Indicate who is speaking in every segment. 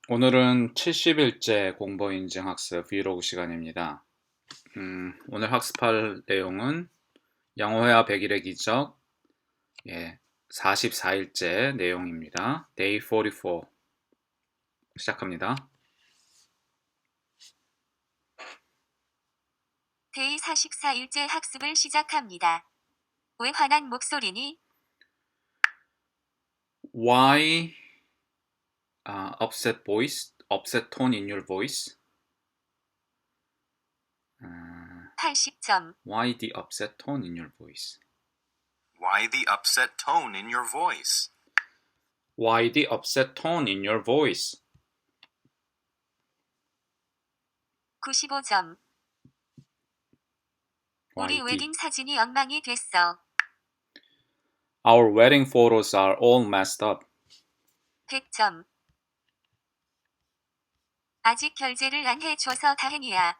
Speaker 1: 오늘은 70일째 공보인증 학습 브이로그 시간입니다. 오늘 학습할 내용은 영어회화 100일의 기적 44일째 내용입니다. Day 44 시작합니다.
Speaker 2: 데이 44일째 학습을 시작합니다. 왜 화난 목소리니?
Speaker 1: Why upset voice, upset tone in your voice?
Speaker 2: 80점.
Speaker 1: Why the upset tone in your voice?
Speaker 3: Why the upset tone in your voice?
Speaker 1: Why the upset tone in your voice?
Speaker 2: 95점. 우리
Speaker 1: Why
Speaker 2: 웨딩 사진이 엉망이 됐어.
Speaker 1: Our wedding photos are all messed up.
Speaker 2: 100점. 아직 결제를 안 해줘서 다행이야.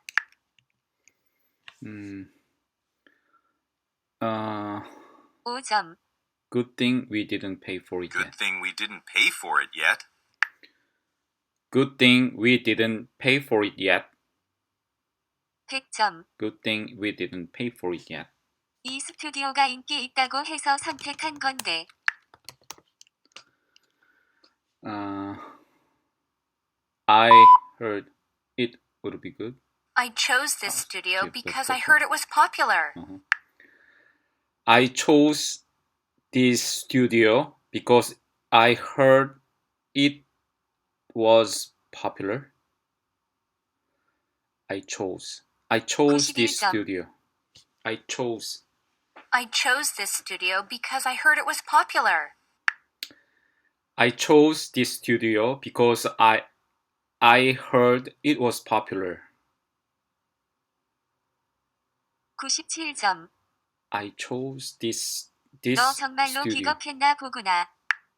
Speaker 2: 5점.
Speaker 1: Good thing we didn't pay for it
Speaker 3: Good
Speaker 1: yet.
Speaker 3: thing we didn't pay for it yet.
Speaker 1: Good thing we didn't pay for it yet.
Speaker 2: 100점.
Speaker 1: Good thing we didn't pay for it yet.
Speaker 2: 이 스튜디오가 인기 있다고 해서 선택한 건데.
Speaker 1: I heard it would be good.
Speaker 2: I chose this studio
Speaker 1: cute.
Speaker 2: because
Speaker 1: That's
Speaker 2: I heard it was popular.
Speaker 1: I chose this studio because I heard it was popular. I chose this
Speaker 2: 91점.
Speaker 1: studio. I chose
Speaker 2: this studio because I heard it was popular.
Speaker 1: this studio because I heard it was popular.
Speaker 2: 97점.
Speaker 1: I chose this
Speaker 2: 너 정말로
Speaker 1: studio.
Speaker 2: 기겁했나 보구나.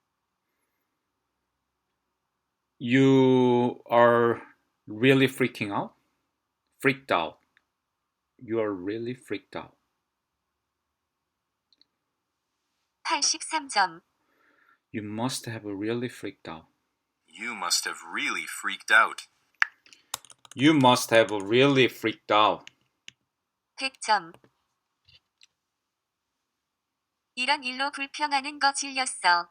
Speaker 1: You are really freaking out? Freaked out. You are really freaked out.
Speaker 2: 83점.
Speaker 1: You must have really freaked out.
Speaker 3: You must have really freaked out.
Speaker 1: You must have really freaked out.
Speaker 2: 100점. 이런 일로 불평하는 거 질렸어.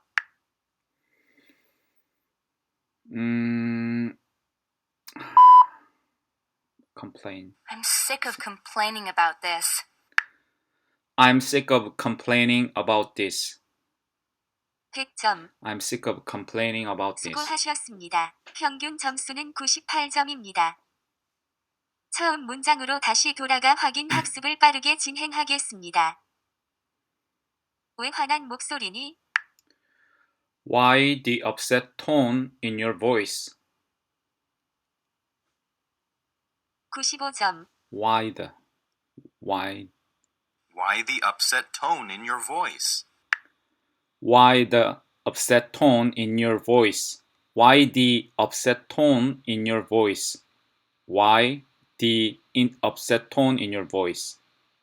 Speaker 1: Complain.
Speaker 2: I'm sick of complaining about this.
Speaker 1: I'm sick of complaining about this.
Speaker 2: 100점.
Speaker 1: I'm sick of complaining about this.
Speaker 2: 수고하셨습니다. 평균 점수는 98점입니다. 처음 문장으로 다시 돌아가 확인 학습을 빠르게 진행하겠습니다. 왜 화난 목소리니?
Speaker 1: Why the upset tone in your voice?
Speaker 2: 95점.
Speaker 1: Why the
Speaker 3: upset tone in your voice?
Speaker 1: Why the upset tone in your voice? Why the upset tone in your voice? Why the upset tone in your voice?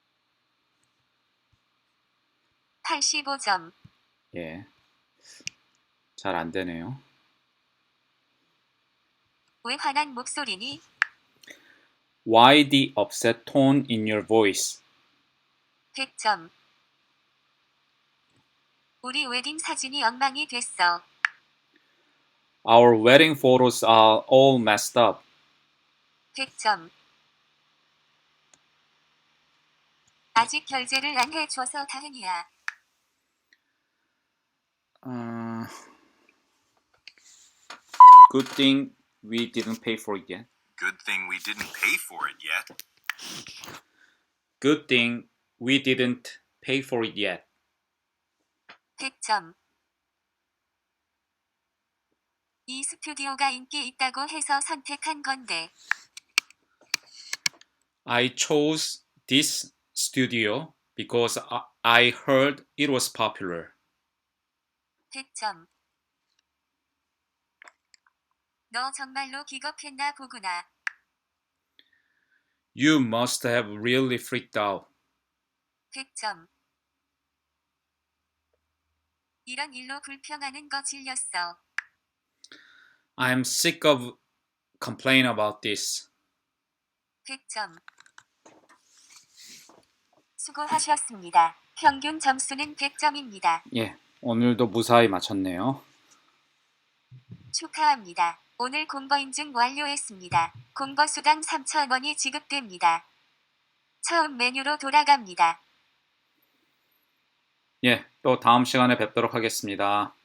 Speaker 2: 85점.
Speaker 1: 예. 잘 안 되네요.
Speaker 2: 왜 화난 목소리니?
Speaker 1: Why the upset tone in your voice?
Speaker 2: 100점. 우리 웨딩 사진이 엉망이 됐어.
Speaker 1: Our wedding photos are all messed up.
Speaker 2: 100점. 아직 결제를 안 해줘서 다행이야.
Speaker 1: Good thing we didn't pay for it yet.
Speaker 3: Good thing we didn't pay for it yet.
Speaker 1: Good thing we didn't pay for it yet.
Speaker 2: 100점. 이 스튜디오가 인기 있다고 해서 선택한 건데.
Speaker 1: I chose this studio because I heard it was popular.
Speaker 2: 100점. 너 정말로 기겁했나 보구나.
Speaker 1: You must have really freaked out.
Speaker 2: 100점. 이런 일로 불평하는 거 질렸어.
Speaker 1: I'm sick of complaining about this.
Speaker 2: 100점. 수고하셨습니다. 평균 점수는 100점입니다.
Speaker 1: 예, 오늘도 무사히 마쳤네요.
Speaker 2: 축하합니다. 오늘 공거 인증 완료했습니다. 공거 수당 3,000원이 지급됩니다. 처음 메뉴로 돌아갑니다.
Speaker 1: 예, 또 다음 시간에 뵙도록 하겠습니다.